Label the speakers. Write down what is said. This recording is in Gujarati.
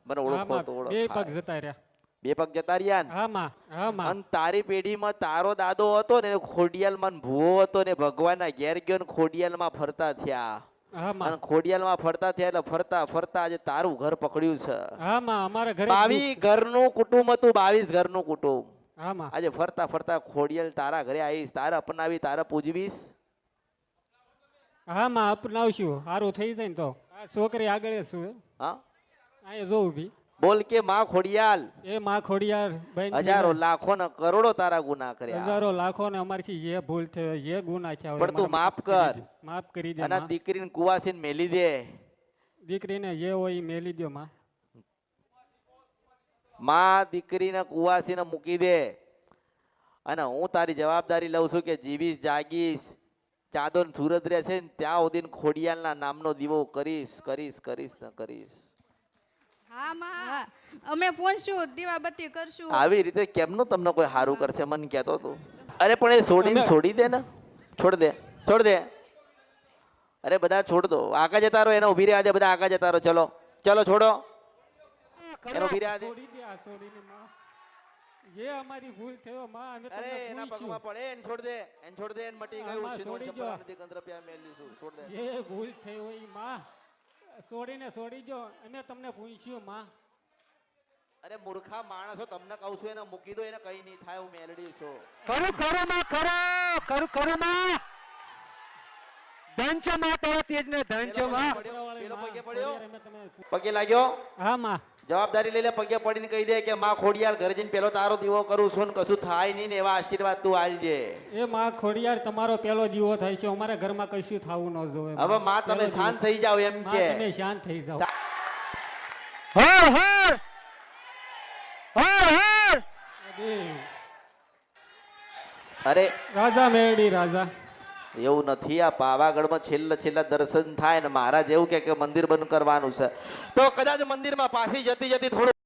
Speaker 1: મને ઓળખો તો ઓળખ.
Speaker 2: બે પગ જતા રહ્યા.
Speaker 1: બે પગ જતા રહ્યા ને?
Speaker 2: હા માં, હા માં.
Speaker 1: અને તારી પેઢીમાં તારો દાદો હતો ને ખોડિયાલમાં ને ભૂવો હતો ને ભગવાનના ઘેર ગયો ને ખોડિયાલમાં ફરતા થયા.
Speaker 2: હા માં.
Speaker 1: અને ખોડિયાલમાં ફરતા થયા એટલે ફરતા ફરતા આજે તારું ઘર પકડ્યું છે.
Speaker 2: હા માં, અમારા ઘરે
Speaker 1: 22 ઘરનું કુટુંબ હતું, 22 ઘરનું કુટુંબ.
Speaker 2: હા માં.
Speaker 1: આજે ફરતા ફરતા ખોડિયાલ તારા ઘરે આવીશ, તારે અપનાવી, તારે પૂજવીશ.
Speaker 2: હા માં, અપનાવશું. સારું થઈ જાય ને તો આ છોકરી આગળ શું
Speaker 1: હા
Speaker 2: અહીંયા જો ઊભી.
Speaker 1: બોલ કે માં ખોડિયાલ.
Speaker 2: એ માં ખોડિયાર બેન,
Speaker 1: હજારો લાખો ને કરોડો તારા ગુના કર્યા.
Speaker 2: હજારો લાખો ને અમારથી જે ભૂલ થયો, જે ગુના થયા હોય
Speaker 1: પણ તું
Speaker 2: અમારા
Speaker 1: માફ કર.
Speaker 2: માફ કરી દે
Speaker 1: અને
Speaker 2: માં.
Speaker 1: દીકરીને કુવાસીને મેલી દે.
Speaker 2: દીકરીને જે હોય એ મેલી દો માં.
Speaker 1: માં દીકરીને કુવાસીને મૂકી દે. અને હું તારી જવાબદારી લઉં છું કે જીવીશ જાગીશ ચાંદો ને સુરત રહેશે ને ત્યાં સુધી ખોડિયાલના નામનો દીવો કરીશ કરીશ કરીશ ને કરીશ.
Speaker 3: હા માં, અમે પહોંચશું, દીવાબત્તી કરશું.
Speaker 1: આવી રીતે કેમનું તમને કોઈ સારું કરશે મન કહેતો તું. અરે પણ એ છોડી દે ને. છોડ દે. અરે બધા છોડ દો. આગળ જતા રહો, એને ઉભી રહ્યા દે. બધા આગળ જતા રહો. ચલો છોડો એને ઉભી રહ્યા દે.
Speaker 2: છોડી દે આ છોડીને માં. જે અમારી ભૂલ થયો માં, અમે
Speaker 1: અરે
Speaker 2: તમને
Speaker 1: એના
Speaker 2: પૂછ્યું.
Speaker 1: પગમાં પડે એને છોડ દે. એને મટી ગયું.
Speaker 2: આમાં
Speaker 1: શીનો
Speaker 2: છોડી
Speaker 1: ચપ્પલ
Speaker 2: દો.
Speaker 1: નથી ગંદ્રપ્યા મેલીશું. છોડ દે.
Speaker 2: જે ભૂલ થઈ હોય માં, છોડી દો. અમે તમને પૂછ્યું માં.
Speaker 1: અરે મૂર્ખા માણસો, તમને કહું છું એને મૂકી દો. એને કઈ નહીં થાય. હું મેલડી છું.
Speaker 4: ખરું માં, ખરું માં. ધન છે માં, તારા તેજ ને ધન છે માં.
Speaker 1: પેલો પગે પડ્યો,
Speaker 2: અમે તમે
Speaker 1: પગે લાગ્યો.
Speaker 2: હા માં.
Speaker 1: જવાબદારી લઈ લે. પગે પડીને કહી દે કે માં ખોડિયાલ ઘરે જઈને પેલો તારો દીવો કરું છું ને કશું થાય નહીં ને એવા આશીર્વાદ તું આલજે.
Speaker 2: એ માં ખોડિયાર, તમારો પેલો દીવો થાય છે. અમારા ઘરમાં કશું થવું ન જોવે.
Speaker 1: હવે માં તમે શાંત થઈ જાઓ એમ
Speaker 2: માં,
Speaker 1: કે.
Speaker 2: તમે શાંત થઈ જાઓ.
Speaker 4: હર હર હર હર.
Speaker 1: અરે
Speaker 2: રાજા મેરડી રાજા.
Speaker 1: એવું નથી. આ પાવાગઢમાં છેલ્લા દર્શન થાય ને મહારાજ એવું કે મંદિર બંધ કરવાનું છે તો કદાચ મંદિરમાં પાછી જતી થોડું